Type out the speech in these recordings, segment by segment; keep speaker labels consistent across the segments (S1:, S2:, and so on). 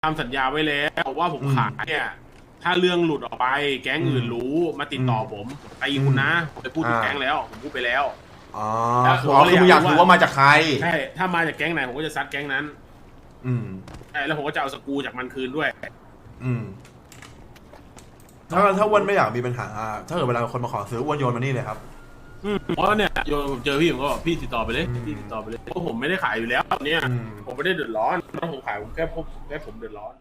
S1: ทำสัญญาไว้แล้วว่าผมขายเนี่ยถ้าเรื่องหลุดออกไปแก๊งอื่นรู้มาติดต่อผมตีคุณนะผมไปพูดถึงแก๊งแล้วผมพูดไปแล้ว
S2: อ๋อคือมึงอยากรู้ว่ามาจากใคร
S1: ใช่ถ้ามาจากแก๊งไหนผมก็จะซัดแก๊งนั้นใช่แล้วผมก็จะเอาสกูจากมันคืนด้วย
S2: ถ้าอ้วนไม่อยากมีปัญหาถ้าเกิดเวลาคนมาขอซื้ออ้วนโยนมานี่เลยครับ
S1: เพราะเนี่ยโยนผมเจอพี่ผมก็บอกพี่ติดต่อไปเลยพี่ติดต่อไปเลยเพราะผมไม่ได้ขายอยู่แล้วเนี่ยผมไม่ได้เดือดร้อนถ้าผมขายผมแค่ผมเดือดร้อน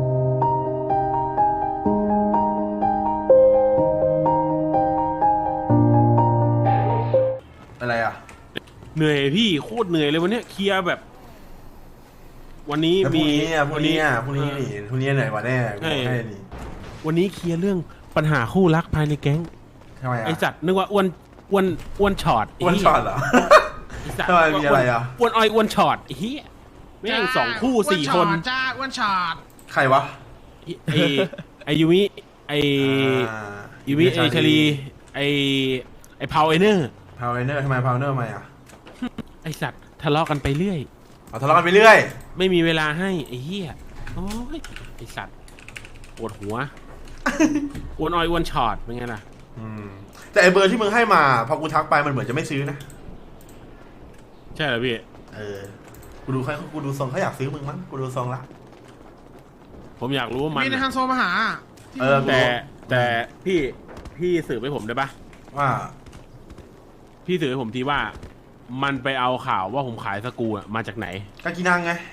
S2: อะไรอ่ะ
S1: เหนื่อยพี่โคตรเหนื่อยเลยวันนี้เคลียร์แบบวันนี้มี
S2: พรุ่งนี้เหนื่อยกว่าแน่ให้ดิ
S1: วันนี้เคลียร์เรื่องปัญหาคู่รักภายในแก๊ง
S2: ทำไมอ่ะ
S1: ไอสัตว์นึกว่าอ้วนช็อต
S2: เหรอทำไมมีอะไรอ่ะ
S1: อ้วนช็อตเฮียแม่ง2 คู่ 4 คน
S3: จ้าอ้วนช็อต
S2: ใครวะ
S1: ไอยูมิไอชลีไอพาวเอเนอร์
S2: ทำไมพาวเนอร์มาอ่ะ
S1: ไอสัตว์ทะเลาะกันไปเรื่อย
S2: ทะเลาะกันไปเรื่อย
S1: ไม่มีเวลาให้ไอเฮียโอ้ยไอสัตว์ปวดหัวอ้วนช็อตเป็นไงล่ะ
S2: แต่ไอเบอร์ที่มึงให้มาพอกูทักไปมันเหมือนจะไม่ซื้อนะ
S1: ใช่เหรอพี่
S2: กูดูทรงเขาอยากซื้อมึงมั้งกูดูทรงละ
S1: ผมอยากรู้ว่ามัน
S3: มีในฮันโซมาหา
S1: แต่พี่สืบให้ผมได้ปะ
S2: ว่า
S1: พี่สืบให้ผมทีว่ามันไปเอาข่าวว่าผมขายสกูมาจากไหน
S2: กากินังไง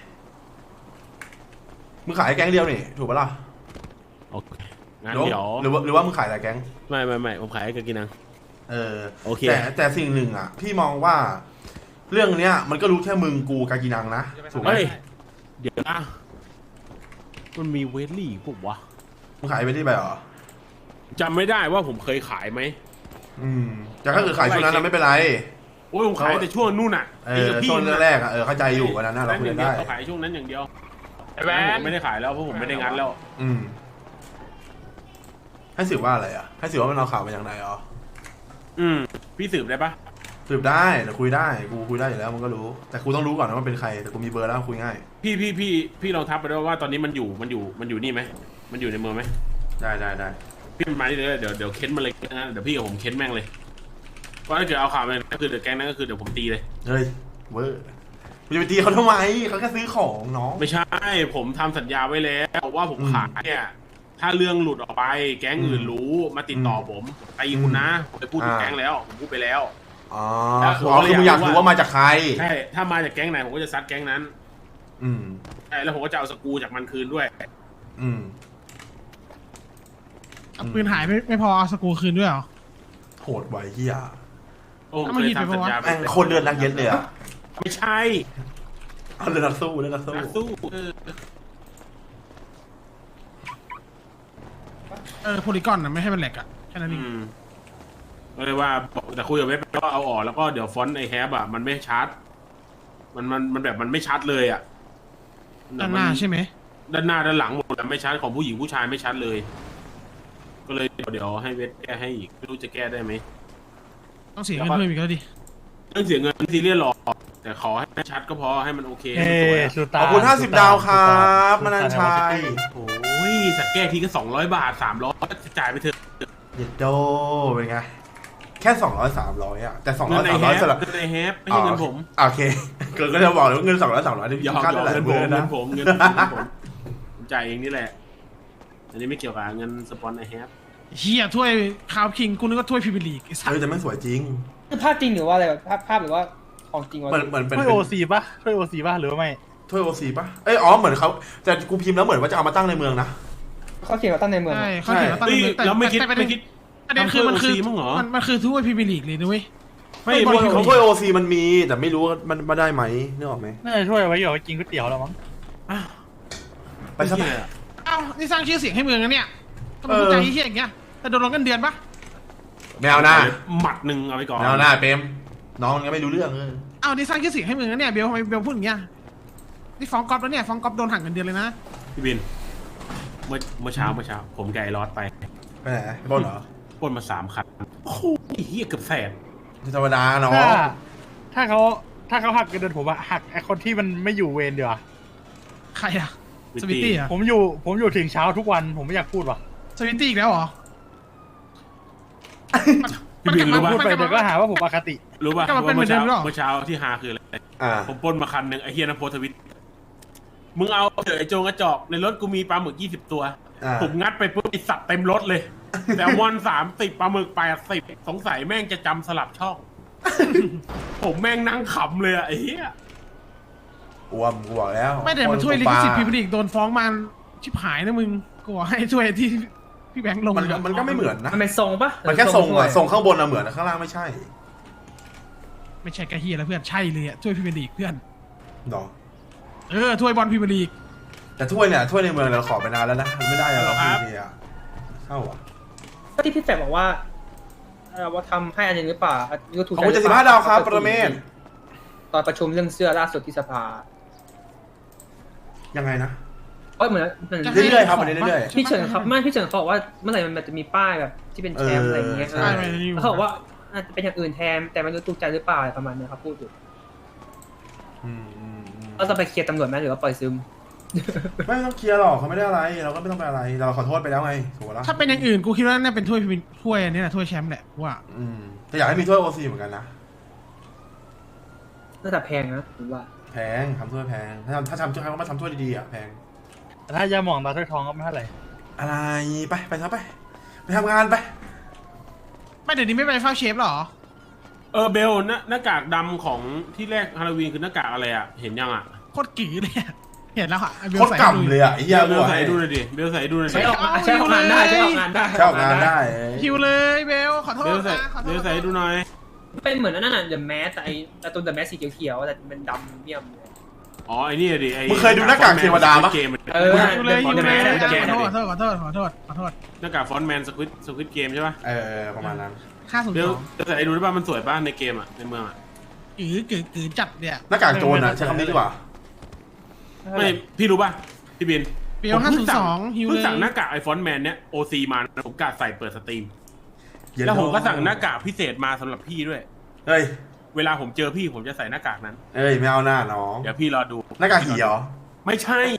S2: มึงขายแก๊งเดียวนี่ถูกปะล่ะ
S1: โอเคงั้นเดี๋ยว
S2: หรือว่ามึงขายหลายแก๊ง
S1: ไม่ผมขายกากินังโอเค
S2: แต่สิ่งหนึ่งอ่ะพี่มองว่าเรื่องเนี้ยมันก็รู้แค่มึงกูกากินังนะถูกไหม
S1: เดี๋ยวนะมันมีเวลลี่ปุ๊บวะ
S2: มึงขายเวลลี่ไปเหรอ
S1: จำไม่ได้ว่าผมเคยขายไหม
S2: แต่ถ้าเกิดขายช่วงนั้นเราไม่เป็นไร
S1: โอ้ยผมขายแต่ช่วงนู่นอ่ะ
S2: ช่วงแรกอ่ะเข้าใจอยู่วันนั้นเราคุยได้
S1: ขายช่วงนั้นอย่างเดียวผมไม่ได้ขายแล้วเพราะผมไม่ได้งัดแล้ว
S2: ให้สืบว่าอะไรอ่ะให้สืบว่ามันเอาข่าวมาจากไหนอ๋อ
S1: พี่สืบได้ปะ
S2: สืบได้แต่คุยได้กูคุยได้อยู่แล้วมันก็รู้แต่กูต้องรู้ก่อนนะว่าเป็นใครแต่กูมีเบอร์แล้วคุยง่าย
S1: พี่ลองทักไปด้วยว่าตอนนี้มันอยู่นี่ไหมมันอยู่ในเมืองไหม
S2: ได้
S1: พี่มาที่เลยเดี๋ยวเค้นมาเลยนะเดี๋ยวพี่กับผมเค้นแม่งเลยว่าถ้าเกิดเอาข่าวมาก็คือเดี๋ยวแก๊งนั้นก็คือเดี๋ยวผมตีเลย
S2: เฮ้ยเวอร์มึงจะไปตีเขาทำไมเขาแค่ซื้อของน้อง
S1: ไม่ใช่ผมทำสัญญาไว้แล้วว่าผมขายเนี่ยถ้าเรื่องหลุดออกไปแก๊งอื่นรู้มาติดต่อผมตีคุณนะผมไปพูดถึงแก๊งแล้วผมพูดไปแล้ว
S2: อ๋อคือมึงอยากรู้ว่ามาจากใคร
S1: ใช่ถ้ามาจากแก๊งไหนผมก็จะซัดแก๊งนั้นใช่แล้วผมก็จะเอาสกูจากมันคืนด้วย
S3: ปืนหายไม่พอเอาสกูคืนด้วยเหรอ
S2: โหดไว้เฮีย
S1: โอ้เคยทำสัญญา
S2: คนเลือดนักเย็นเลยอ่ะ
S1: ไม่ใช่
S2: เลือดนักสู้
S3: โพลีกอนนะไม่ให้มันแหลกอ่ะแค่นั้นเอง
S1: ก็เลยว่าแต่คุยกับเว็บก็เอาออกแล้วก็เดี๋ยวฟอนต์ไอแฮปอ่ะมันไม่ชัดมันแบบมันไม่ชัดเลยอ่ะ
S3: ด้านหน้าใช่ไหม
S1: ด้านหน้าด้านหลังหมดแต่ไม่ชัดของผู้หญิงผู้ชายไม่ชัดเลยก็เลยเดี๋ยวให้เว็บแก้ให้อีกไม่รู้จะแก้ได้ไหม
S3: ต้องเสียเงินเพิ่มอีกแล้วดิ
S1: ต้องเสียเงินซีเรียสหรอกแต่ขอให้ชัดก็พอให้มันโอเค
S2: ขอบคุณ50 ดาวครับมนันชัย
S1: โอ้ยสักแก้ทีก็200 บาท300จ่ายไปเถอะ
S2: เย็ดโดเป็นไงแค่200-300อ่ะแต่200-300สำหรับ
S1: ในแฮปไม่ใช่เงินผม
S2: โอเคเกิดก็จะบอกเลยว่าเงิน200-300ที่
S1: ค่าเท่าไหร่เงินผมจ่ายเองนี่แหละอันนี้ไม่เกี่ยวกับเงินสปอนในแฮป
S3: เฮียถ้วยคาวคิงกูนึกว่าถ้วยพรีเมียร์ลีก
S2: แต่ไม่สวยจริง
S4: คือภาพจริงหรือว่าอะไรภาพหรือว่าของจริงวะ
S2: เหมือนเป็น
S5: ถ้วยโอซีป่ะถ้วยโอซีป่ะหรือว่าไม่
S2: ถ้วยโอซีป่ะเหมือนเขาแต่กูพิมพ์แล้วเหมือนว่าจะเอามาตั้งในเมืองนะ
S4: เขาเขียนว่าตั้งในเมือง
S3: ใช่เขาเขียนว่าตั้งในเมืองแต่
S1: ไม่คิด
S3: ประเด็นคือมันคือถ้วยพรีเมียร์ลีกเลยนะเว้ย
S2: ไม่ของถ้วยโอซีมันมีแต่ไม่รู้มันมาได้ไหมนึกออกไหม
S5: น่าจะช่วยไว้อยู่กินก๋วยเตี๋ยวแล้วมั้ง
S2: ไปซะ
S3: นี่สร้างชื่อเสียงให้เมืองนะเนี่ยทำไมพูดใจเฮี้ยอย่างเงี้ยแต่โดนลงกันเดือนปะ
S2: แมวหน้า
S1: หมัดหนึ่งเอาไปก่อน
S2: แมวหน้าเปมน้องยังไม่รู้เรื่อง
S3: นี่สร้างชื่อเสียงให้เมืองนะเนี่ยเบลทำไมเบลพูดอย่างเงี้ยนี่ฟ้องก๊อฟแล้วเนี่ยฟ้องก๊อฟโดนหักเงินเดือนเลยนะ
S1: พี่บินเมื่อเช้าผมไก่รอดไป
S2: ไหนปล้นเหรอ
S1: ปล้นมา3 คันโอ้โหเฮี้ยเกือบแสน
S2: ธรรมดาเนาะ
S5: ถ้าเขาหักเงินเดือนผมอะหักไอคนที่มันไม่อยู่เวรเดี๋ยว
S3: ใครอะสวิตตี้อ่ะ
S5: ผมอยู่ถึงเช้าทุกวันผมไม่อยากพูดว่ะ
S3: สวิตตี้อีกแล้วเหรอ
S1: พี่บินรู้ป่ะ
S5: พูดไปเดี๋ยวก็หาว่าผมอคติ
S1: รู้ป่ะ
S3: กลับมาเป็นเหมือนเดิมหรอ
S1: เมื่อเช้าที่ฮาคืออะไร
S2: อ่า
S1: ผมปล้นมาคันหนึ่งไอ้เฮียนะโพสต์ทวิตมึงเอาเถอะไอ้โจงกระจอกในรถกูมีปลาหมึก20 ตัว
S2: อ่า
S1: ผมงัดไปปุ๊บไอสัตว์เต็มรถเลย แต่วัน30ปลาหมึก80สงสัยแม่งจะจำสลับช่อง ผมแม่งนั่งขำเลยอะไอ้เหี้ย
S2: อ้วมกูบอกแล้ว
S3: ไม่แต่มันช่วยลิขสิทธิ์พรีเมียร์ลีกโดนฟ้องมาชิบหายนะมึงกูบอกให้ช่วยที่พี่แบงค์ลง
S2: มันก็ไม่เหมือนนะ
S4: มันเป็นทรงปะ
S2: มันแค่ทรงอะทรงข้างบนอะเหมือนข้างล่างไม่ใช่
S3: ไม่ใช่กระเฮียแล้วเพื่อนใช่เลยอ่ะช่วยพรีเมียร์ลีกเพื่อน
S2: หรอ
S3: ช่วยบอลพรีเมียร์ลีก
S2: แต่ถ้วยเนี่ยถ้วยในเมืองเราขอไปนานแล้วนะมันไม่ได้อะเราพี่อะเข้าอะ
S4: ก็ที่พี่แฝกบอกว่าว่าทำให้อันนี้หรือเปล่ายูทูบ
S2: ขอบคุณ75ดาวครับปรเมศ
S4: ตอนประชุมเรื่องเสื้อล่าสุดที่สภา
S2: ยังไงนะ
S4: ก็เหมือน
S2: เรื่อยๆครับเรื่อย
S4: พี่เฉินครับไม่พี่เฉินเขาบอกว่าเมื่อไหร่มันจะมีป้ายแบบที่เป็นแชมป์อะไรอย่างเงี้ย
S2: ใช่
S4: แล้วเขาบอกว่าอาจจะเป็นอย่างอื่นแทนแต่ไม่รู้ถูกใจหรือเปล่าอะไรประมาณเนี้ยครับพูดอยู่
S2: อืม
S4: เราจะไปเคลียร์ตำรวจไหมหรือว่าปล่อยซึม
S2: ไม่ต้องเคลียร์หรอกเขาไม่ได้อะไรเราก็ไม่ต้องไปอะไรเราขอโทษไปแล้วไงถูกปะล่ะ
S3: ถ้าเป็นอย่างอื่นกูคิดว่าน่าเป็นถ้วยอันนี้แหละถ้วยแชมป์แหละว่า
S2: แต่อยากให้มีถ้วยโอซีเหมือนกันนะ
S4: น่าจะแพงนะผมว่า
S2: แพงทำถ้วยแพงถ้าทำถ้วยเขามาทำถ้วยดีๆอ่ะแพง
S5: แต่ถ้ายาหมองตาถ้วยทองก็ไม่เท่าไหร่
S2: อะไรไปซะไปทำงานไป
S3: ไม่เดี๋ยวนี้ไม่ไปเฝ้าเชฟหรอ
S1: เบลหน้ากากดำของที่แรกฮาโลวีนคือหน้ากากอะไรอะเห็นยังอะ
S3: โคตรก๋เลยอะเห็นแล้วอ่ะ
S2: โคตรกำเลยอ่ะไอ้เหี้ย
S1: เบลใส่ดูหน่อยดิเบลใส่ดูหน่อย
S4: ใช้
S1: ดิ
S4: ออกงานได้ใช้ออกงานได้
S2: เช่างานได้
S3: คิวเลยเบลขอโทษ
S1: เบลใส่
S3: นะขอโท
S1: เบ
S3: ษ
S1: ลใส่ดูหน่อย
S4: เป็นเหมือนนั่นน่ะเดอะแมสแต่ตัวเดอะแมสสีเขียวๆแต่เป็นดำเมี่ยมเลย
S1: อ๋อไอ้นี่ดิไอ้
S2: มึงเคยดูหน้ากากเทวดาปะ
S1: เกม
S3: คิวเลยคิวเลย
S1: ขอโทษ
S3: ขอโทษ
S1: หน้ากากฟอนต์แมนสควิตเกมใช่ปะ
S2: ประมาณนั้น
S1: เบล
S3: 502
S1: ใส่ดูได้ป่ะมันสวยป่ะในเกมอะในเมืองอะ
S3: กือจัดเนี่ย
S2: หน้ากากโจรอ่ะใช้คำนี้ดีกว่า
S1: ไม่พี่รู้ป่ะพี่บิน
S3: เบล502ฮิว
S1: เพิ่
S3: เล
S1: ง
S3: ย
S1: สั่งหน้ากากไอฟอนต์แมนเนี้ยโอซีมาผมกะใส่เปิดสตรีมแล้วผมก็สั่งหน้ากากพิเศษมาสำหรับพี่ด้วย
S2: เฮ้ย
S1: เวลาผมเจอพี่ผมจะใส่หน้ากากนั้น
S2: ไม่เอาหน้าน้อง
S1: เดี๋ยวพี่รอดู
S2: หน้ากากหีเหรอ
S1: ไม่ใช่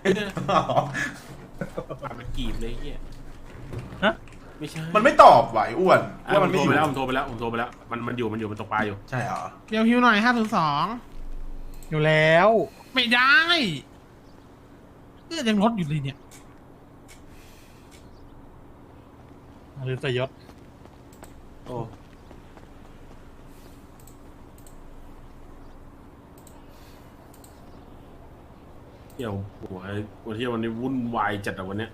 S1: ปากมันกีบเลยเฮีย
S5: ฮะ
S1: ไม่ใช่
S2: มันไม่ตอบไหวอ้วน
S1: ผมโทรไปแล้วผมโทรไปแล้วมันอยู่มันตกปลาอยู่
S2: ใช่เหรอ
S3: เบลฮิวหน่อย502
S5: อยู่แล้ว
S3: ไม่ได้ยังลดอยู่เลยเนี่ย
S5: หรือสยศ
S1: โอ้เที่ยวหัววันที่วันนี้วุ่นวายจัดอะวันเนี้ย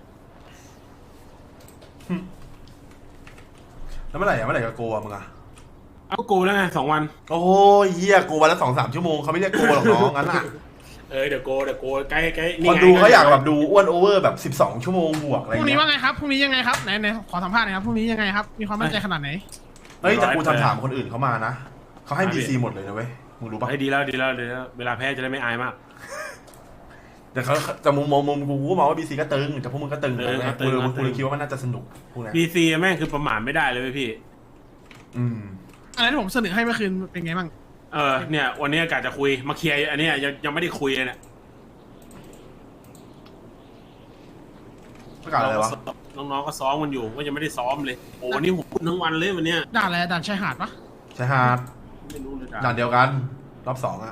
S2: แล้วเมื่อไหร่จะโกะมึงอะ
S1: เอาโกแล้วไง2 วัน
S2: โอ้ยเหี้ยโกวันละ2-3 ชั่วโมงเขาไม่เรียกโกหรอกน้องงั้นอ่ะ
S1: เดี๋ยวโกใกล้ๆ
S2: คนดูเขาอยากแบบดูอ้วนโอเวอร์แบบ12 ชั่วโมงบวกอะไร
S3: พรุ่งนี้
S2: เงี้
S3: ว่าย ไงครับพรุ่งนี้ยังไงครับไหนขอสัมภาษณ์หน่อยครับพรุ่งนี้ยังไงครับมีความมั่นใจขนาดไหน
S2: เฮ้ยแต่กูถามคนอื่นเขามานะเขาให้ BC หมดเลยนะเว้ยมึงรู้ปะ
S1: ให้ดีแล้วเวลาแพ้จะได้ไม่อายมาก
S2: แต่เขาแต่มุมกูก็มองว่า BC ก็ตึงแต่พวกมึงก็ตึง
S1: ก็ตึง
S2: กูเลยคิดว่ามันน่าจะสนุกพวกนี้
S1: BC แม่งคือประมาทไม่ได้เลยเว้ยพี่
S3: อะไรที่ผมเสนอให้เมื่อคืนเป็นไงบ้าง
S1: เนี่ยวันนี้กะจะคุยมาเคลียร์อันเนี้ยยังไม่ได้คุยเลยเนี่ย
S2: ประกาศอะไรวะ
S1: น้องๆก็ซ้อมกันอยู่ก็ยังไม่ได้ซ้อมเลยโอ้วันนี้ผมพูดทั้งวันเลยวันเนี้ย
S3: ด่านอะไรด่านชายหาดปะ
S2: ชายหาด
S1: ไม่รู้เลย
S2: ด่านเดียวกันรอบ2อ่ะ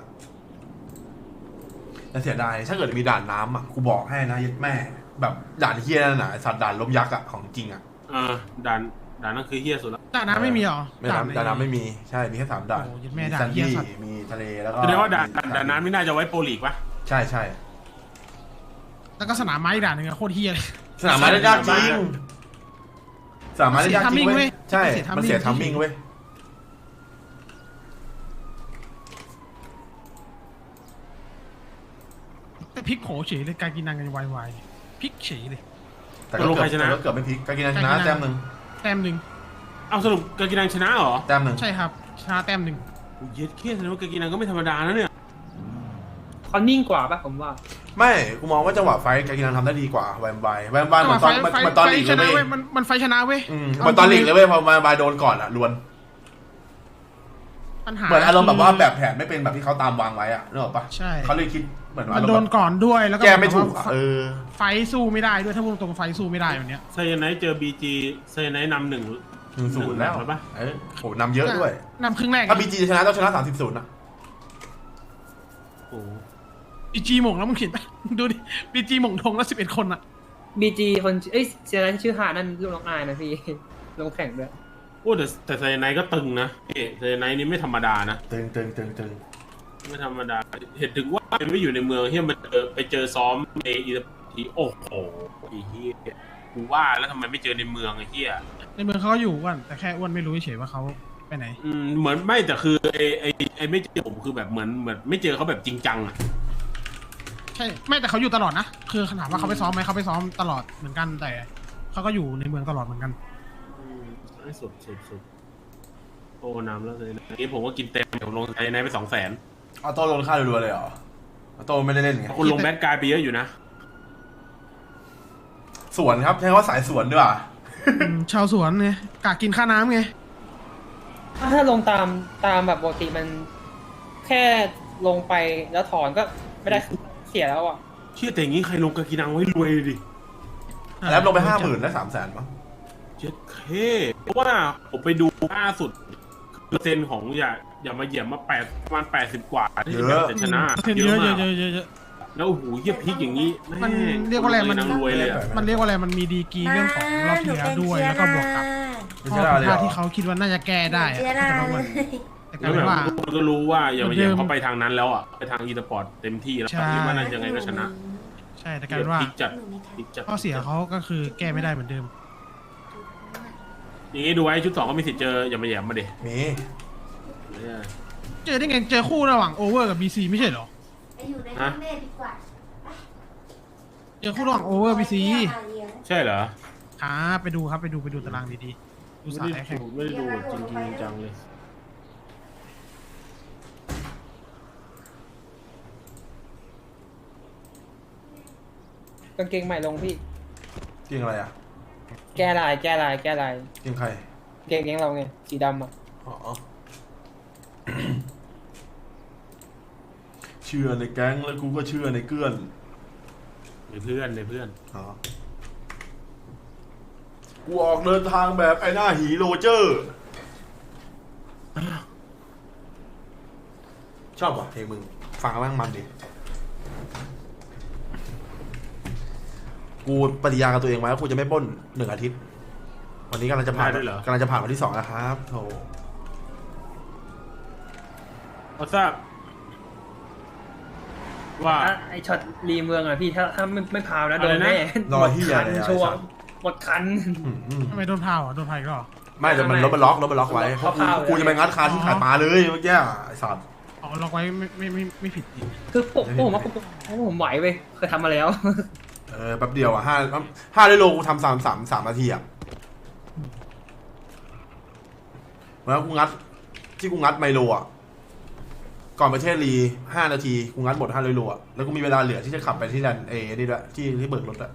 S2: แต่เสียดายถ้าเกิดมีด่านน้ำอ่ะกูบอกให้นะยัดแม่แบบด่านเฮี้ยนั่นน่ะสัตว์ด่านล้มยักษ์อ่ะของจริงอ่ะ
S1: ด่านนั่นคือเฮี้ยสุดแล้ว
S3: ด่านน้ำไม่มีหรอ
S2: ด่านน้ำไม่มีใช่มีแค่3ด่าน
S3: โอ้ยัดแม่
S2: มี
S3: ด่าน
S2: ซัน
S3: เหี้ย
S2: ดี้
S3: สัตว์
S2: มีทะเลแล้วก็
S1: แสดงว่าด่านนั้นไม่น่าจะไว้โปรลีกปะ
S2: ใช่
S3: แล้วก็สนามไม้อีกด่านหนึ่งอะโคตรเฮียเลย
S2: สนามม้าเล่นยากจริงสนามม้าเล่นยากจริง
S3: เสีย
S2: เว้
S3: timing
S2: ยใช่
S3: เสีย timing
S2: มันเสียทัมมิ่งเว้ย
S3: แต่พลิกโผเฉยเลยการกินนางกันวายพลิกเฉยเลย
S2: แต่ก็เกือบไม่พลิกกากินันชนะแต้มหนึ่ง
S3: แต้มหนึ่ง
S1: เอาสรุปกากินังชนะเหรอ
S2: แต้มหนึ่ง
S3: ใช่ครับชนะแต้มหนึ่ง
S1: เย็ดเคสแสดงว่ากากินังก็ไม่ธรรมดานะเนี่ย
S4: เขานิ่งกว่าป่ะผมว่า
S2: ไม่กูมองว่าจังหวะไฟกากินันทำได้ดีกว่าแวมไบร์เหมือนตอนลีก
S3: ช
S2: เลย
S3: นะ
S2: เว้
S3: เว้
S2: ย
S3: ยมันไฟชนะเว้ย
S2: เหมือนตอนลีกเลยเว้ยพอแวมไบร์โดนก่อนอ่ะลวน
S3: ปัญหา
S2: เหมือนอารมณ์แบบว่าแบบแผนไม่เป็นแบบที่เขาตามวางไว้อ่ะนึกออกปะ
S3: ใช่
S2: เขาเลยคิดเหมือน
S3: มั
S2: ว่าน
S3: โดนก่อนด้วยแล้วก็
S2: แก้ไม่ถูก
S3: แบบ
S2: อะ
S3: ว่า
S2: เออ
S3: ไฟสู้ไม่ได้ด้วยถ้าพูดตรงๆไฟสู้ไม่ได้วันเนี้ย
S1: ไซยาไนท์เจอบีจีไซยาไนท์นำ1-0
S2: แล้ว
S1: แล้วปะ
S2: เออโหนำเยอะด้วย
S3: นำครึ่งแรก
S2: ถ้าบีจีชนะต้องชนะ30-0นะ
S1: โอ้โห
S3: บีจีหม่งแล้วมึงเห็นไหมดูดิบีจีหม่งทงแล้ว11 คนอะ
S4: บีจีคนเอ้ยเสียนั้นชื่อฮานั่นลูกน้องนายนะพี่ ลงแข่งด้วย
S1: โอ้แต่ไซยาไนท์ก็ตึงนะไซยาไนท์นี่ไม่ธรรมดานะ
S2: ตึง
S1: ไม่ธรรมดาเห็นถึงว่ามันไม่อยู่ในเมืองที่มันไปเจอซ้อมในอีทีโอ้โหไอ้เหี้ยกูว่าแล้วทำไมไม่เจอในเมืองไอ้เหี้ย
S3: ในเมืองเขาก็อยู่อ้วนแต่แค่อ้วนไม่รู้เฉยๆว่าเขาไปไหน
S1: เหมือนไม่แต่คือไอ้ไม่เจอผมคือแบบเหมือนไม่เจอเขาแบบจริงจังอะ
S3: ใช่ไม่แต่เขาอยู่ตลอดนะคือถามว่าเขาไปซ้อมไหมเขาไปซ้อมตลอดเหมือนกันแต่เขาก็อยู่ในเมืองตลอดเหมือนกัน
S1: ไอ้สุดโอ้น้ำแล้วเลยนะนี้ผมก็กินเต็มผมลงไซยาไนท์ไป200,000
S2: ออโต้ลงค่ารัวๆเลยเหรอออโต้ไม่ได้เล่นไง
S1: คุณลงแบดกายไปเยอะอยู่นะ
S2: สวนครับใช้คำว่าสายสวนด้วยว่ะ
S3: ชาวสวนไงกะกินค่าน้ำไง
S4: ถ้าลงตามแบบปกติมันแค่ลงไปแล้วถอนก็ไม่ได้เสียแล้วอ่ะ
S1: เชื่อแต่อย่างนี้ใครลงกากินังไว้รวยเลยดิ
S2: แล้วลงไป50,000ได้300,000มั้ง
S1: เจ็ดเคเพราะว่าผมไปดูล่าสุดเปอร์เซ็นต์ของอย่ามาเหยียบมาประมาณ80 กว่าที่จะชนะ
S3: เยอะ
S1: มาก
S3: เยอะ
S1: แล้วโอ้โหเยียบพลิกอย่างนี้
S3: มันเรียกว่าอะไรมัน
S1: นางรวยเลยอะ
S3: มันเรียกว่าอะไรมันมีดีกรีเรื่องของรอบที่แล้วด้วยแล้วก็บวกกับ
S2: ไม่
S3: ข้อ
S2: ใช่
S3: ผิด
S2: เลย
S3: พ
S2: เหร
S3: ลาด
S2: อ
S3: ที่เขาคิดว่าน่าจะแก้ได้อะ
S6: เจรา
S3: แต่ว่า
S6: เล
S3: มัน
S6: ย
S3: แต่ก
S1: แล้
S3: ลายว เป็น
S1: แบบ
S3: ว่า
S1: ทุกคนก็รู้ว่าอย่ามาเหยียบเขาไปทางนั้นแล้วอ่ะไปทางอีสปอร์ตเต็มที่แล้ว
S3: ใช่
S1: คิดว่าน่าจะยังไงก็ชนะ
S3: ใช่แต่กลายเป็นว่า
S1: พลิกจัดพลิกจัด
S3: ข้อเสียเขาก็คือแก้ไม่ได้เหมือนเดิม
S1: อย่างนี้ดูไว้ชุด 2ก็มีสิทธิ์เจออย่ามาเหยียบมาเด็
S2: มี
S3: เจอได้ไงเจอคู่ระหว่างโอเวอร์กับบีซีไม่ใช่เหรอ
S6: ไปอยู่ในห้องแม่ดีกว่า
S3: เจอคู่ระหว่างโอเวอร์บีซี
S1: ใช่เหรอ
S3: ไปดูครับไปดูตารางดีๆดูสายแข่ง
S1: ไม่ได้ดูแบบจริงจังเลย
S4: กางเกงใหม่ลงพี่
S2: เก่งอะไรอ่ะ
S4: แก้ลาย
S2: เก่งใคร
S4: เกงเราไงสีดำอ่ะ
S2: อ๋อ เชื่อในแก๊งแล้วกูก็เชื่อในเกื้อน
S1: ในเพื่อน
S2: อ๋อกูออกเดินทางแบบไอ้หน้าหีโรเจอร์ ชอบว่ะเพลงมึง ฟังแล้วแม่งมันดิ กูปฏิญาณกับตัวเองไว้ว่ากูจะไม่ปล้น1 อาทิตย์ วันนี้กำลังจะผ่าน
S1: ได้ด้วยเหรอ
S2: กำลังจะผ่านวันที่2แล้วครับโถ
S1: เอาทราบว่า
S4: ไอช็อตรีเมืองอ่ะพี่ถ้าไม่พาวนะโดนแน่
S2: รอที่
S4: หม
S2: ใหญ่
S4: ดคัน
S2: เลย
S4: ชัวร์หมดคัน
S3: ทำไมโดนพาวอ่ะโดนพายก็
S2: ไม่แต่มันรถมันล็อกไว้เพราะกูจะไปงัดคาที่ขายปลาเลยเมื่อกี้ไอ้สัตว์
S3: อ๋อล็อกไว้ไม่ผิด
S4: คือผมว่าผมไหวเว้ยเคยทำมาแล้ว
S2: แป๊บเดียวอ่ะ5ได้โลกูทำ3 นาทีอ่ะแล้วกูงัดที่กูงัดไมโลอ่ะก่อนประเทศรี5 นาทีกูงัดหมด5โลอ่ะแล้วกูมีเวลาเหลือที่จะขับไปที่แลนด์นี่ด้วยที่เบิกรถอ่ะ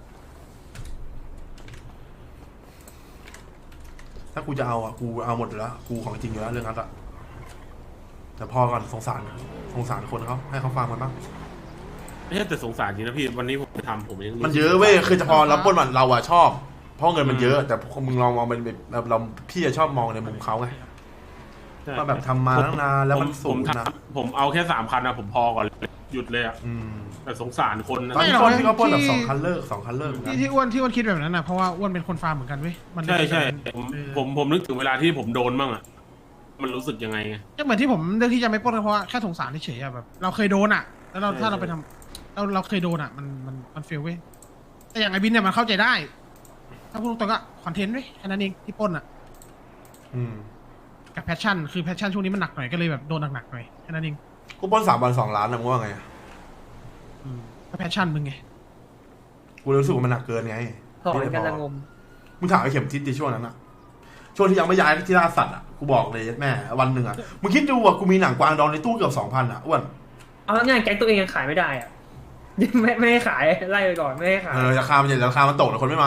S2: ถ้ากูจะเอาอ่ะกูเอาหมดอยู่แล้วกูของจริงอยู่แล้วเรื่องงัดอ่ะแต่พอก่อนสงสารคนเขาให้เขาฟังมันบ้าง
S1: ไม่ใช่แต่สงสารจริงนะพี่วันนี้ผมไปทำผมยัง
S2: มันเยอะเว้ยคือจะพอรับปล้นมันเราอะชอบ เพราะเงินมันเยอะ แต่มึงลองมองเป็นแบบเราพี่จะชอบมองในมุมเขาไง
S1: ใช่
S2: ว่าแบบทำมาตั้งนานแล้วมันสูงนะ
S1: ผมเอาแค่3 คันนะผมพอก่อนเลยหยุดเลยอ่ะ
S2: อืม
S1: แต่สงสารคนนะ
S2: ตอนที่ปล้นที่เขาปล้นแบบ2 คันเลิก2 คันเลิก
S3: ที่อ้วนคิดแบบนั้นนะเพราะว่าอ้วนเป็นคนฟาร์มเหมือนกันเว้ยมัน
S1: ใช่ผมนึกถึงเวลาที่ผมโดนบ้างอ่ะมันรู้สึกยังไงไง
S3: ก็เหมือนที่ผมเลือกที่จะไม่ปล้นเพราะว่าแค่สงสารเฉยๆอะแบบเราเคยโดนอ่ะ แล้วถ้าเราไปทำเราเคยโดนอ่ะมันเฟลเว้ยแต่อย่างไอ้บินเนี่ยมันเข้าใจได้ ถ้าพูดตรงๆก็คอนเทนต์เว้ยแค่นั้นเองที่ปล้นอ่ะ
S2: อืม
S3: กับแพชชั่นคือแพชชั่นช่วงนี้มันหนักหน่อยก็เลยแบบโดนหนักๆหน่อยแค่นั้นเอง
S2: กูปล้น3 วัน2 ล้านนะมึงว่าไง
S3: ก็แพชชั่นมึงไง
S2: กูรู้สึกว่ามันหนักเกินไง
S4: ถอนกันละงม
S2: มึงถามไอ้เข็มทิศในช่วงนั้นอะช่วงที่ยังไม่ย้ายที่ล่าสัตว์อะกูบอกเลยแม่วันหนึ่งอะมึงคิดดูอะกูมีหนังกวางดองในตู้เกือบ 2,000อะอ้วน
S4: เอาง่ายๆแก๊งตัวเองยังขายไม่ได้อ่ะ ไม่ให้ขายไล่ไปก่อนไม่ให้ขาย
S2: ราคามันใหญ่ราคามันตกแต่คนไม่มา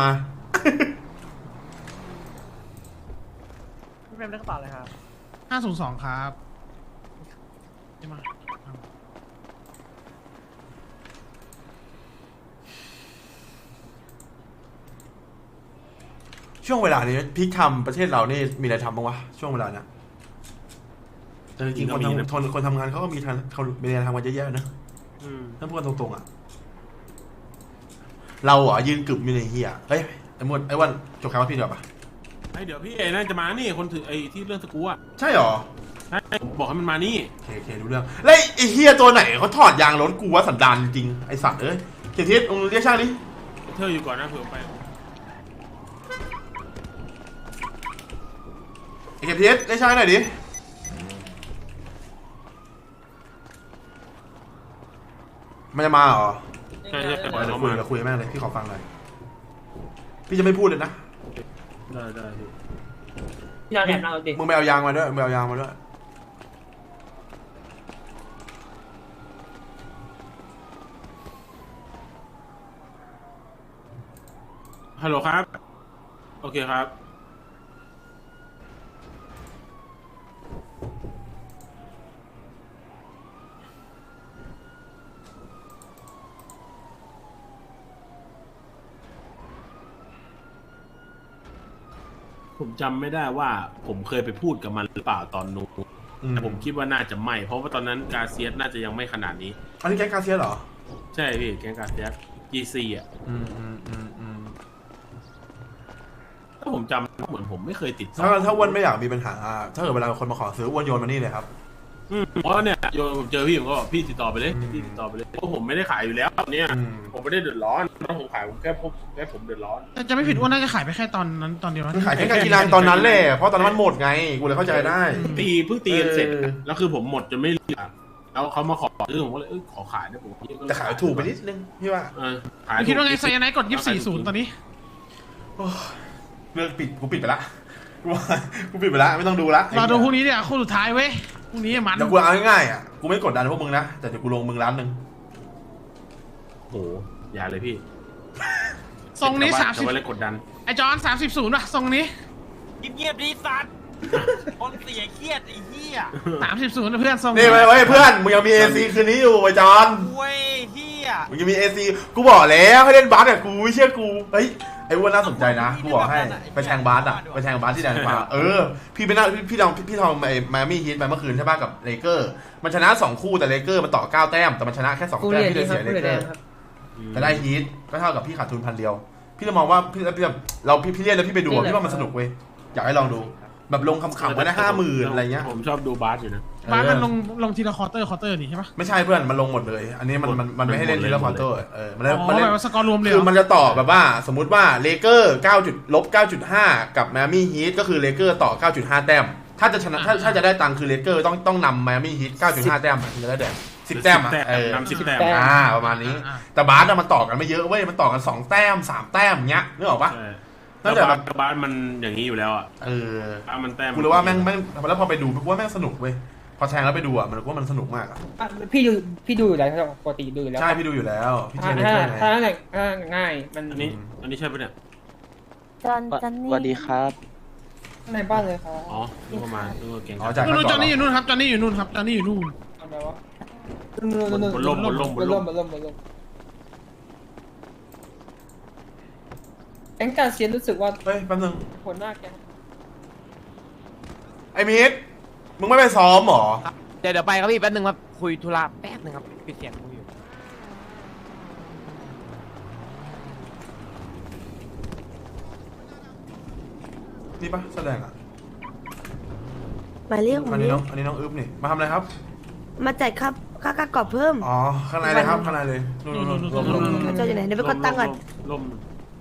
S4: พี่เฟรมได้กระเป๋าเลยครับ
S3: 502ครับใช่ไหม
S2: ช่วงเวลานี้พีคทำประเทศเรานี่มีอะไรทำบ้างวะช่วงเวลาเนี้ยแต่จริงๆคนทำงานเขาก็มีอะไรทำกันเยอะแยะนะถ้าพูดกันตรงๆอ่ะเราอ่ะยืนกึบอยู่ในเฮียเฮ้ยไอ้มดไอ้วันจบข่าวว่าพี่เดี๋ยวปะ
S1: ไอเดี๋ยวพี่ไอ้นั่นจะมานี่คนถือไอ้ที่เรื่องสกู๊อะ
S2: ใช่หรอ
S1: ใช่ผมบอกให้มันมานี่
S2: โอเครู้เรื่องแล้วไอ้เฮียตัวไหนเขาถอดยางรถกูวะสันดานจริงไอ้สัตว์เอ้ยเกียรติมึงเรียกช่างดิ
S1: เธออยู่ก่อนนะเผื่อไป
S2: ไอ้เกียรติเรียกช่างหน่อยดิมันจะมาเหรอ
S1: ใช่ปล่อย
S2: เดี๋ยว
S1: เขา
S2: คุย
S1: มา
S2: กับคุยแม่งเลยพี่ขอฟังหน่อยพี่จะไม่พูดเลยนะ
S1: ได้พี่
S4: พี่นอนแอบนั่งรถดิ
S2: มึงไปเอายางมาด้วยมึงไปเอายางมาด้วย
S1: ฮัลโหลครับโอเคครับผมจำไม่ได้ว่าผมเคยไปพูดกับมันหรือเปล่าตอนนู้นแต่ผมคิดว่าน่าจะไม่เพราะว่าตอนนั้นกาเซียสน่าจะยังไม่ขนาดนี้
S2: อันนี้แก๊งกาเซียสเหรอ
S1: ใช่พี่แกงกาเซียส GC อ่ะถ้าผมจำเหมือนผมไม่เคยติดต่อ
S2: ถ้าอ้วนไม่อยากมีปัญหาถ้าเกิดเวลาคนมาขอซื้ออ้วนโยนมานี่เลยครับ
S1: เพราะเนี่ยโยนผมเจอพี่ผมก็บอกพี่ติดต่อไปเลยพี่ติดต่อไปเลยเพราะผมไม่ได้ขายอยู่แล้วเนี่ยผมไม่ได้เดือดร้อนถ้าผมขายผมแค่ผมเดือดร้อน
S3: แต่จะไม่ผิดอ้วนน่าจะขายไปแค่ตอนนั้นตอนเดียวนะ
S2: ขายแค่การกีฬาตอนนั้นแหละเพราะตอนนั้นมันหมดไงกูเลยเข้าใจได้
S1: เพิ่งตีกันเสร็จอะแล้วคือผมหมดจนไม่เหลือแล้วเขามาขอซื้อผมก็เลยขอขายได้ผม
S2: แต่ขายถูกไปนิดนึงพี่ว่า
S1: ขาย
S3: คิดว่าไงไซยาไนท์กด24-0ตอนนี้
S2: เรื่องปิดกูปิดไปละกูปิดไปละไม่ต้องดูละ
S3: รอดูพรุ่งนี้เนี่ยคู่สุดท้ายเว้ยพรุ่งนี้มัน
S2: เดี๋ยวกูเอาง่ายๆอ่ะกูไม่กดดันพวกมึงนะแต่เดี๋ยวกูลงมึงล้านหนึ่ง
S1: โหอย่าเลยพี่
S3: ทรงนี้
S1: จะไปเล่นกดดัน
S3: 30ไอจอน30-0ป่ะทรงนี้
S7: เงียบๆดีสัตว์ คนเสียเครียดไอ้เหี้ย
S3: 30-0นะเพื่อนทรง
S2: นี่ไว้เพื่อนมึงยังมีเอซีคืนนี้อยู่ไอ้จอน
S7: เว้ยเหี้ย
S2: มึงยังมีเอซีกูบอกแล้วให้เล่นบาสกับกูเชื่อกูเฮ้ยไอ้อ้วนน่าสนใจนะกูบอกให้ไปแทงบาสอ่ะไปแทงบาสที่แดนขวาพี่ไปนั่งพี่ทำไอ้ไมอามี่ฮีทไปเมื่อคืนใช่ป่ะกับเลเกอร์มันชนะ2คู่แต่เลเกอร์มันต่อ9แต้มแต่มันชนะแค่2แต้มพี่เลยเสียเลเกอร์แต่ได้ฮีทก็เท่ากับพี่ขาดทุน1,000 เดียวพี่เลยมองว่าพี่เรียนแล้วพี่ไปดูพี่ว่ามันสนุกเว้ยอยากให้ลองดูแบบลงคำๆไว้ได้50,000อะไรเงี้ย
S1: ผมชอบดูบาสอยู่นะ
S3: บ้านมันลงทีละควอเตอร์นี่ใช่ปะ
S2: ไม่ใช่เพื่อนมันลงหมดเลยอันนี้มันไม่ให้เล่นทีละควอเตอร์มัน
S3: อ๋อแบบว่าสกอร์รวมเลย
S2: คือมันจะต่อแบบว่าสมมุติว่าเลเกอร์9.5 กับไมอามี่ฮีทก็คือเลเกอร์ต่อ 9.5 แต้มถ้าจะชนะถ้าจะได้ตังค์คือเลเกอร์ต้องนำไมอามี่ฮีท 9.5 แต้มถึงจะได้แต้ม10 แต้ม
S1: นำ10 แต้ม
S2: ประมาณนี้แต่บาสมันต่อกันไม่เยอะเว้ยมันต่อกัน2 แต้ม3 แต้มเงี้ยนึกออกปะ
S1: แล้วบาสมันอย่างนี้อยู่แล้วอ่ะบาสมันแต้ม
S2: กูเลยว่าแม่งแล้วพอไปดูกูว่าแม่งสนุกเว้ยพอแทงแล้วไปดูอ่ะมันว่ามันสนุกมากอ่ะ
S4: พี่ดูอยู่แล้วปกติดูอยู่แล้ว
S2: ใช่พี่ดูอยู่แล้วพี่เทียนได้ไง
S4: ถ้าง่ายมัน
S1: อันนี้ใช่ปะเนี่ย
S8: จอนนี่
S9: สวัสดีครับ
S4: ในบ้านเลยครับ
S1: อ๋อนึกว่ามานึกว่าเก่ง
S2: อ๋อจาก
S3: นู่นจอนนี่อยู่นู่นครับจอนนี่อยู่นู่นครับจอนนี่อยู่นู่น
S4: เอาไปวะ
S1: บนล่ม
S4: แก๊งการเซียนรู้สึกว่า
S2: เฮ้ยแป๊บนึง
S4: หัวหน้าแก๊ง
S2: ไอ้มิดมึงไม่ไปซ้อมหรอ
S7: เดี๋ยวไปครับพี่แป๊บนึงครับคุยธุระแป๊บนึงครับปิดเสียงคุยอยู่
S2: นี่ปะแสดงอ่ะ
S8: หมายเรียก
S2: อันนี้น้องอึ๊บนี่มาทำอะไรครับ
S8: มาจ่ายค่ากรอบเพิ่ม
S2: อ๋อข้างในเลยครับข้างในเลยนู่นๆ
S8: เขาเจ้าอยู่ไหนเดี๋ยวไปกดตังค์ก่อน
S1: ล่ม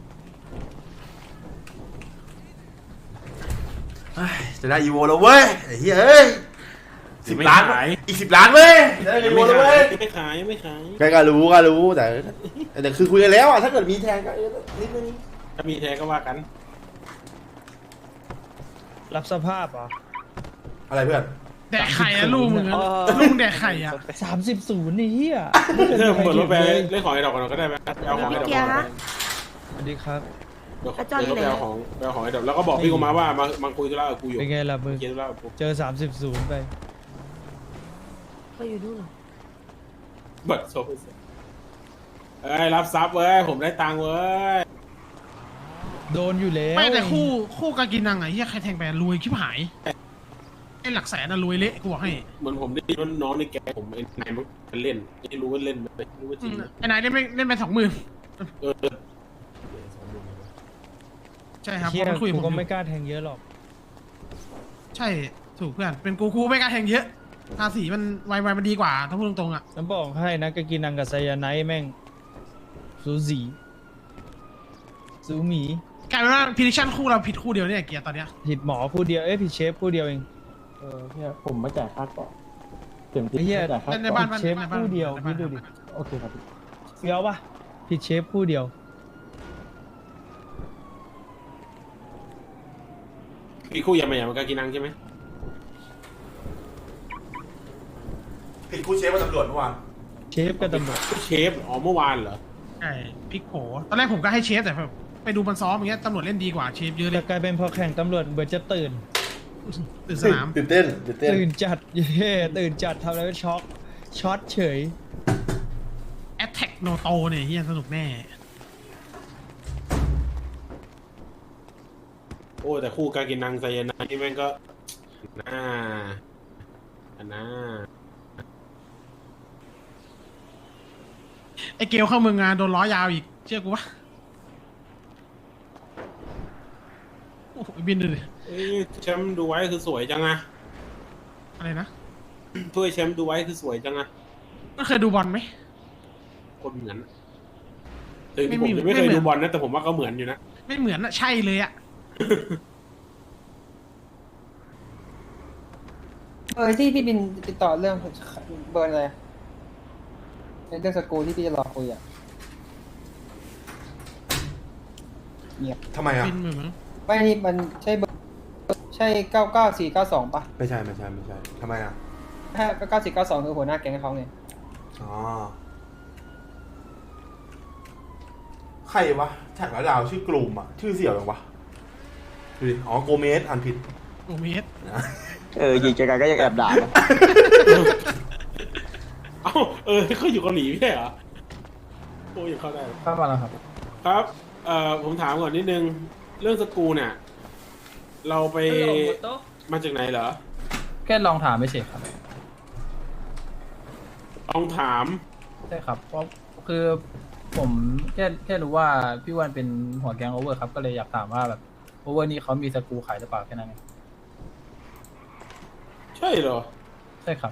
S2: จะได้อีโวแล้วเว้ยไอ้เหี้ยเอ้ย10 ล้านอีก10 ล้านเว้ยจะได้อีโวแล้วเว้ย
S1: ไม่ขาย
S2: ก็รู้แต่คือคุยกันแล้วอ่ะถ้าเกิดมีแทงก็นิดนึง
S1: ถ้ามีแท้ก็ว่ากัน
S5: รับสภาพเหรอ
S2: อะไรเพื่อน
S3: แดกไข่อะลูกมึงลุงแดกไข่อะ
S5: 30-0นี่เฮีย
S1: เธอเปิดรถไปเล่นของไอ้ดอกกันก็ได้ไหมเอาของไอ้ดอก
S8: เกียร์ฮะ
S5: สวัสดีครับ
S1: เดี๋ยวก็ไปเอาของไอ้ดอกแล้วก็บอกพี่กูมาว่ามาคุยธุระกับกูอยู่
S5: เป็นไงล่ะมึง
S1: คุยธุระกับกู
S5: เจอ 30-0ไป
S8: เขาอยู่นู่นเหรอ
S1: เบิดโซ่รับซับเว้ยผมได้ตังค์เว้ย
S5: โดนอยู่แล้ว
S3: ไม่แต่คู่กากินังไอ้เหี้ยใครแทงไปรวยชิบหายไอ้หลักแสนน่ะรวยเละกูบอกให้
S1: เหมือนผมได้ยินว่าน้องในแกผมไอ้นายมันเล่นไม่รู้ว่าเล่นไหมไม่รู้ว่าจริงไหม
S3: ไอ้นายเล่นไป20,000
S1: เออ
S3: ใช่ครับ
S5: เชี่ย
S3: มันคุยกับ
S5: กู
S3: ผม
S5: ก็
S3: อยู่
S5: ไม่กล้าแทงเยอะหรอก
S3: ใช่ถูกเพื่อนเป็นกูไม่กล้าแทงเยอะภาษีมันไวมันดีกว่าถ้าพูดตรงๆอ่ะ
S5: น้ำบอกให้นะกากินังกับไซยาไนท์แม่งสูสีสูหมี
S3: กลายเป็นว่าพิลิชั่นคู่เราผิดคู่เดียวเนี่ยเกียร์ตอนเนี้ย
S5: ผิดหมอคู่เดียวผิดเชฟคู่เดียวเอง
S9: พี่ผมไม่จ่ายค่าก่อนเต็มที่
S5: ไอ้เหี้ย
S9: ไม่จ่ายค่า
S3: ใน
S9: ก่
S3: บ้า
S9: อน น
S5: เชฟคู่เดียวพี่ดูดิ
S9: โอเคครับพี่
S5: เฟี้ยวปะผิดเชฟคู่เดียว
S1: มีคู่ยามาอย่างมันก็กินนังใช่ไหม
S2: ผิดคู่เชฟกับตำรวจเมื่อวาน
S5: เชฟกับตำรวจ
S1: เชฟอ๋อเมื่อวานเหรอ
S3: ใช่พลิกโผตอนแรกผมก็ให้เชฟแต่แบบไปดูมันซ้อมอย่างเงี้ยตำรวจเล่นดีกว่าเชฟเยอะเล
S5: แต่
S3: ย
S5: กลายเป็นพอแข่งตำรวจเบิร์จะตื่น
S3: ตื่นสนาม
S2: ตื่นเต้น
S5: ตื่นจัดเย่ตื่นจัดทำอะไรไม่ช็อตเฉย
S3: แอตแทกโนโตเนี่ยเฮียสนุกแน่
S1: โอ้แต่คู่การกินนังไซยาไนนี่แม่งก็น่าอันน่า
S3: ไอเกลเข้าเมืองงานโดนล้อยาวอีกเชื่อกูปะโอ้โหบินดูดิ
S1: เอ้ยแชมป์ดูไว้คือสวยจังอะ
S3: อะไรนะ
S1: ถ้วยแชมป์ดูไว้คือสวยจังอะ
S3: ก็เคยดูบอลไหม
S1: คนเหมือนถึงที่ผมจะไม่เคยดูบอลนะแต่ผมว่าก็เหมือนอยู่นะ
S3: ไม่เหมือนอะใช่เลยอะ
S4: ที่พี่บินติดต่อเรื่องเบอร์อะไรเป็นเรื่องสกูที่พี่จะรอคุยอ่ะ
S2: ทำไมอ่ะ
S3: บินเหมือนมั้ง
S4: ไม่นี่มันใช่เบอร์ใช่99492ป่ะ
S2: ไม่ใช่ทำไมอ่ะ
S4: ถ้า9492คือหัวหน้าแก๊งเขาไง
S2: อ๋อใครวะแท็กแล้วดาวชื่อกลุ่มอ่ะชื่อเสี่ยวยังวะดูดิอ๋อโกเมสอ่านผิด
S3: โอ้เมส
S9: ยิงไกลๆก็ยังแอบด่านะ
S1: เอ้าเขาอยู่เกาหลีไม่ใช่เหรอโอ้ยยังเข้าได้
S9: เข้ามาแล้วครับ
S1: ครับผมถามก่อนนิดนึงเรื่องสกูเนี่ย เราไปมาจากไหนเหรอ
S9: แค่ลองถามไม่เฉยครับ
S1: ลองถาม
S9: ใช่ครับ เพราะคือผมแค่รู้ว่าพี่วันเป็นหัวแก๊งโอเวอร์ครับ ก็เลยอยากถามว่าแบบโอเวอร์นี้เขามีสกรูขายหรือเปล่าแค่นั้นเอง
S1: ใช่เหรอ
S9: ใช่ครับ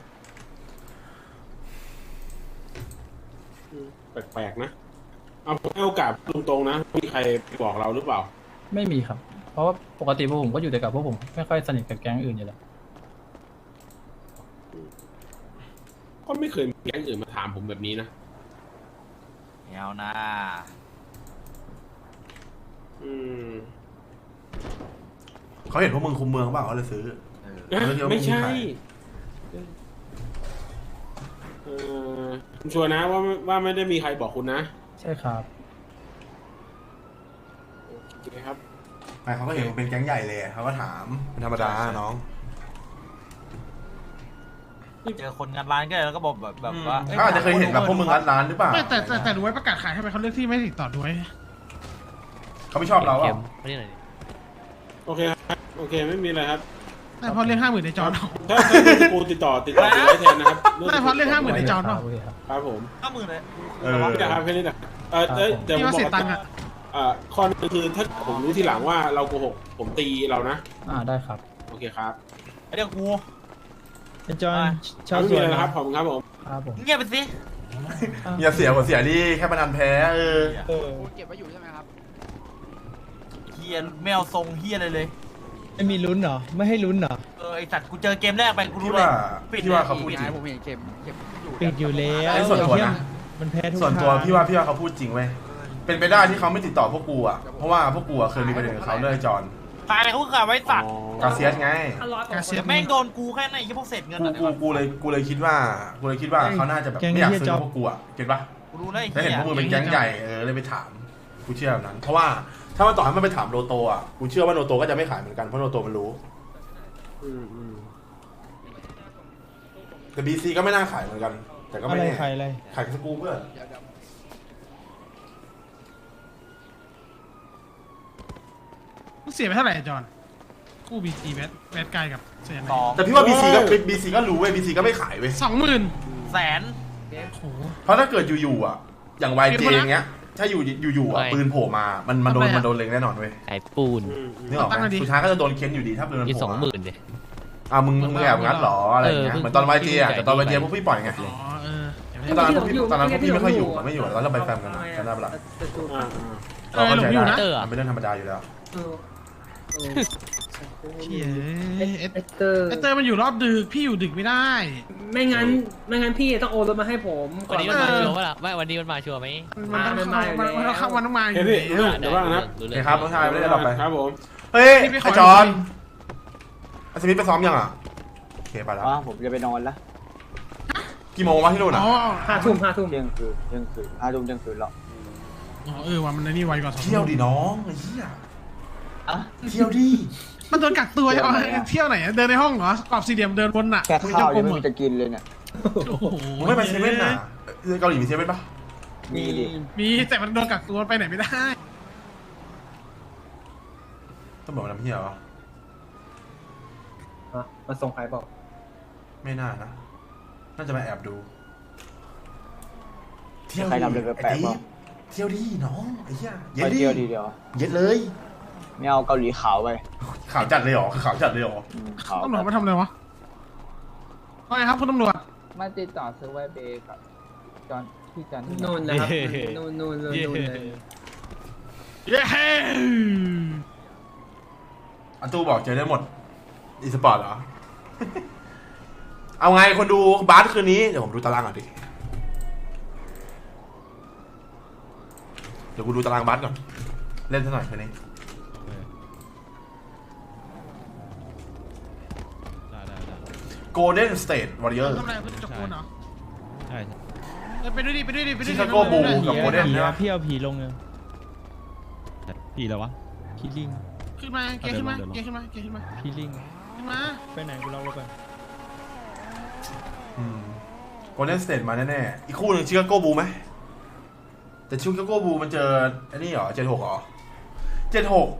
S1: แปลกๆนะเอาผมให้โอกาสตรงๆนะมีใครบอกเราหรือเปล่า
S9: ไม่มีครับ เพราะว่าปกติพวกผมก็อยู่แต่กับพวกผมไม่ค่อยสนิทกับแก๊งอื่นอยู่แล้ว
S1: ก็ไม่เคยมีแก๊งอื่นมาถามผมแบบนี้นะ
S7: เอานะ
S1: อืม
S2: เขาเห็นพวกมึงคุมเมืองเปล่าเขาเลยซื้อ
S1: ไม่ใช่คุณชัวร์นะว่าไม่ได้มีใครบอกคุณนะ
S9: ใช่ครับ
S1: โอเคครับ
S2: ไม่เขาก็เห็นมึงเป็นแก๊งใหญ่เลยเขาก็ถามเป็นธรรมดาน้อง
S7: เจอคนงานร้านก็เลยแล้วก็บอกแบบว่า
S2: เขาอาจจะเคยเห็นแบบพวกมึงรัดร้านหรือเปล่า
S3: ไม่แต่ดูไว้ประกาศขายทำไมเขาเลือกที่ไม่ติดต่อด้วย
S2: เขาไม่ชอบเราอ่ะ
S1: โอเคครับโอเคไม่มีอะไรครับ
S3: แต่เพราะเรื่อง50,000ในจอนเอา
S1: ถ้าเรื่องสกูติดต่อถือไว้แทนนะครับ
S3: แต่เพราะเรื่อง50,000ในจอนเอา
S9: โอเคครับ
S1: ครับผม
S7: 50,000เลย
S1: ไม่ได้ครับแค่นี้นะเดี๋ยวผม
S3: ที่ว่า
S1: บอ
S3: เสีย
S1: ก
S3: ตังค์อะ
S1: ข้อนึงคือถ้าผมรู้ทีหลังว่าเราโกหกผมตีเรานะ
S9: ได้ครับ
S1: โอเคครับ
S7: เดี๋ยวกู
S5: ไอ้จอนชาว
S1: ไม่
S5: ส
S1: มี
S5: วน
S1: อะไร
S5: นะ
S1: นะครับขอบคุณครับผม
S9: ครับผม
S7: เงียบไปสิ
S2: อย่าเสียหัวเสียดิแค่พนันแพ้
S5: เออ
S7: เฮียไม่เอาทรงเฮียอะไรเลย
S5: ไม่มีลุ้นเหรอไม่ให้ลุ้นเหรอ
S7: ไอสัตว์กูเจอเกมแรกไปกู
S2: พี่
S7: รู้เลย
S2: ว่า
S7: ปิด
S2: พี่ว่าเขาพูดจริง
S5: ปิดอยู่แล้ว
S2: อันนี้ส่วนตัวนะ
S5: มันแพ้ทุก
S2: ส่วนตัว
S5: ทาง
S2: พี่ว่าเขาพูดจริงเว้ยเป็นไปได้ที่เขาไม่ติดต่อพวกกูอ่ะเพราะว่าพวกกูอ่ะเคยมีประเด็นกับเขาเรื่องไอ้จอน
S7: ตายเขาขาไว้สัตว์
S2: กาเซียสไง
S3: กาเซียส
S7: แม่งโดนกูแค่ไหนยี่พวกเศษเงิน
S2: กูเลยคิดว่าเขาน่าจะแบบไม่อยากซื้อพวกกูอ่ะเก็ตปะ
S7: กูรู้แล้วไอ้
S2: แล้ว
S7: เหี้
S2: เห็น
S7: ย
S2: พวกมึงเป็นแก๊งใหญ่เลยไปถามกูเชื่อแบบนั้น เพราะว่าถ้ามันต่อให้มันไปถามโลโตอ่ะกูเชื่อว่าโลโตก็จะไม่ขายเหมือนกันเพราะโลโตมันรู้แต่บีซีก็ไม่น่าขายเหมือนกัน แต่ก็
S5: อะ
S2: ไม่
S5: ไร
S2: แน่
S5: ใครอะไร
S2: ขายสกูเพื่อน
S3: เสียไปเท่าไหร่จอนคู่บีจีแบดไกลกับเสียไหน
S2: แต่พี่ว่าบีซีก็รู้เว้ยบีซีก็ไม่ขายเว้ย
S3: 20,000
S7: แสน
S3: โอ้โห
S2: เพราะถ้าเกิดอยู่ๆอ่ะอย่าง YJ อย่างเงี้ยถ้าอยู่อ่ะปืนโผล่มามันโดนเล็งแน่นอนเว้ย
S10: ขายปูน
S2: นึกออกไหมสุดท้ายก็จะโดนเค้นอยู่ดีถ้าปืนมัน
S10: มี
S2: โผล่มา
S10: 20,000เลย
S2: มึงแอบงั้นหรออะไรเงี้ยเหมือนตอน YJ อ่ะแต่ตอน YJ พวกพี่ปล่อยไง
S3: อ๋อเออ
S2: ตอนนั้นพวกพี่ไม่ค่อยอยู่ไม่อยู่ตอนเราไปแฟมกันนะกันได้ปะล่ะเราเข้าใจได้มันเป็นเรื่องธรรมดาอยู่แล้ว
S3: เชี่ยเอสเตอร์มันอยู่รอบดึกพี่อยู่ดึกไม่ได้
S4: ไม่งั้นพี่ต้องโอนรถมาให้ผมก่
S10: วั
S4: อน น
S10: นี้มันมาชัวร์ปะล่ะไม่วันนี้มันมาชัวร์ไหม
S3: มันต้องเข้าวันต้องมาอยู่
S1: เฮ้ยเดี๋ยวบ้างนะ
S2: โอเคครับน้องชายไม่ได้หลับไป
S1: ครับผม
S2: เฮ้ยไอจอนอาสมิธไปซ้อมยังอ่ะโอเคไปแล้ว
S11: ผมจะไปนอนแล้ว
S2: กี่โมงวะที่นู่นอ่ะ
S3: อ๋อ
S4: 5 ทุ่ม
S11: เที่ยงคืน5 ทุ่มเที่ยงคืนแล้ว
S3: ว่ามันนี่ไวกว่า2
S2: เที่ยวดิน้องไอ้เหี้ยเที่ยวดิ
S3: มันโดนกักตัวใช่ไหมเที่ยวไหนเดินในห้องเหรอกรอบสี่เหลี่ยมเดินบนน่ะ
S11: แค่ข้าวยังไม่มีจะกินเลยเนี่ย
S3: โอ้โห
S2: ไม่ไปเซเว่นน่ะเกาหลีมีเซเว่นปะ
S11: มีดิ
S3: มีแต่มันโดนกักตัวไปไหนไม่ได้
S2: ต้องบอกมันทำเหี้ยวะ
S4: มาส่งใครบอก
S2: ไม่น่านะน่าจะมาแอบดูเที่ยว
S11: ใครทำเลยแปลกๆบ้าง
S2: เที่ยวดิน้องไอ้เหี้ยเย็
S11: ไป
S2: ดดิ
S11: เที่ยวทีเดียว
S2: เย็ดเลย
S11: ไม่เอาเกาหลีขาวไป
S2: ข่าวจัดเลยเหรอคือข่าวจัดเลยเหรอ
S11: ขาว
S3: ตำรวจมาทำอะไรวะว่าไงครับคุณตำรวจ
S9: มาติดต่อซื้อไวเบย์กับจอนที่จอน
S4: นู่นนะครับนู่นเลย
S3: เย้
S2: อันตู้บอกเจอได้หมดอีสปอร์ตเหรอ เอาไงคนดูบาสคืนนี้เดี๋ยวผมดูตารางก่อนดิเดี๋ยวกูดูตารางบาสก่อนเล่นซะหน่อยคืนนี้ Golden State Warrior
S3: ทำอะไรเพื่อจกปูนเหรอ
S5: ใช่
S3: ไปดูดิไปดูดิไปดูดิ
S2: Chicago Bulls กับ Golden
S5: ผี
S2: ใช่
S5: อะ
S2: ปะ
S5: พี่เอาผีลงเลยผีแล้ววะผีลิง
S3: ขึ้นมาเกยขึ้นมาเกยขึ้นมาเกยขึ้นมา
S5: ผีลิง
S3: ขึ้นมา
S5: ไปไหนกูเล่าแล้วกัน
S2: Golden State มาแน่ๆอีกคู่หนึ่ง Chicago Bulls ไหมแต่ Chicago Bulls มันเจอไอ้นี่เหรอ76เหรอ76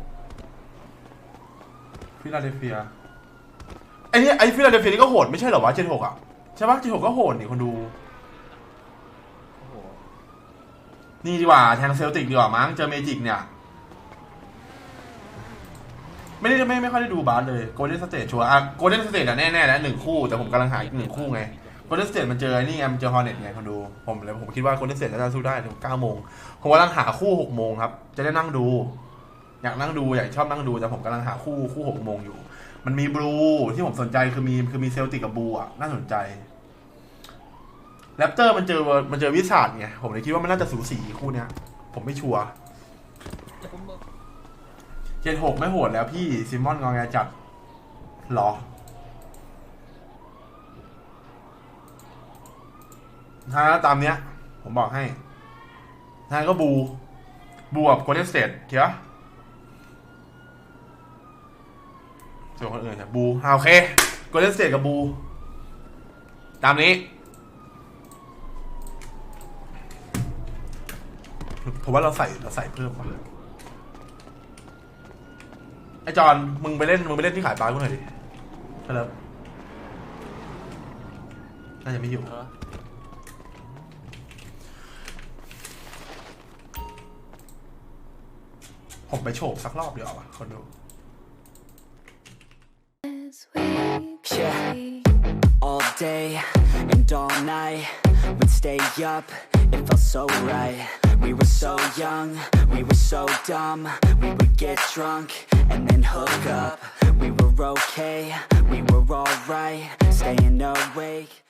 S2: ฟิลาเดลเฟียไอ้ฟิลาเดลเฟียนี่ก็โหดไม่ใช่เหรอวะ76อ่ะใช่ปะ76ก็โหดนี่คนดูนี่ดีกว่าแทงเซลติกดีกว่ามั้งเจอเมจิกเนี่ยไม่ค่อยได้ดูบาสเลยโกลเด้นสเตทชัวร์โกลเด้นสเตทแน่ๆแล้ว1คู่แต่ผมกำลังหาอีก1คู่ไงโกลเด้นสเตทมันเจอนี่ไงมันเจอฮอร์เน็ตไงคนดูผมคิดว่าโกลเด้นสเตทน่าจะสู้ได้ถึง9 โมงผมกำลังหาคู่6 โมงครับจะได้นั่งดูอยากนั่งดูอยากชอบนั่งดูแต่ผมกำลังหาคู่6 โมงอยู่มันมีบลูที่ผมสนใจคือมีเซลติกกับบลูอ่ะน่าสนใจแรปเตอร์มันเจอวิสาดไงผมเลยคิดว่ามันน่าจะสูสีคู่เนี้ยผมไม่ชัวร์76ไม่โหดแล้วพี่ซิมอนงอแงจัดหรอถ้าตามเนี้ยผมบอกให้ถ้าก็บูกับโกลเด้นสเตทเถียวส่วนคนอื่นบูโอเคโกลเด้นสเตทกับบูตามนี้ผมว่าเราใส่เพิ่มป่ะไอจอนมึงไปเล่นที่ขายปลากูหน่อยดิครับน่าจะไม่อยู่ผมไปโฉบสักรอบเดียวอ่ะคนดู
S12: Yeah, all day and all night we'd stay up, it felt so right. We were so young, we were so dumb. We would get drunk and then hook up. We were okay, we were alright, staying awake.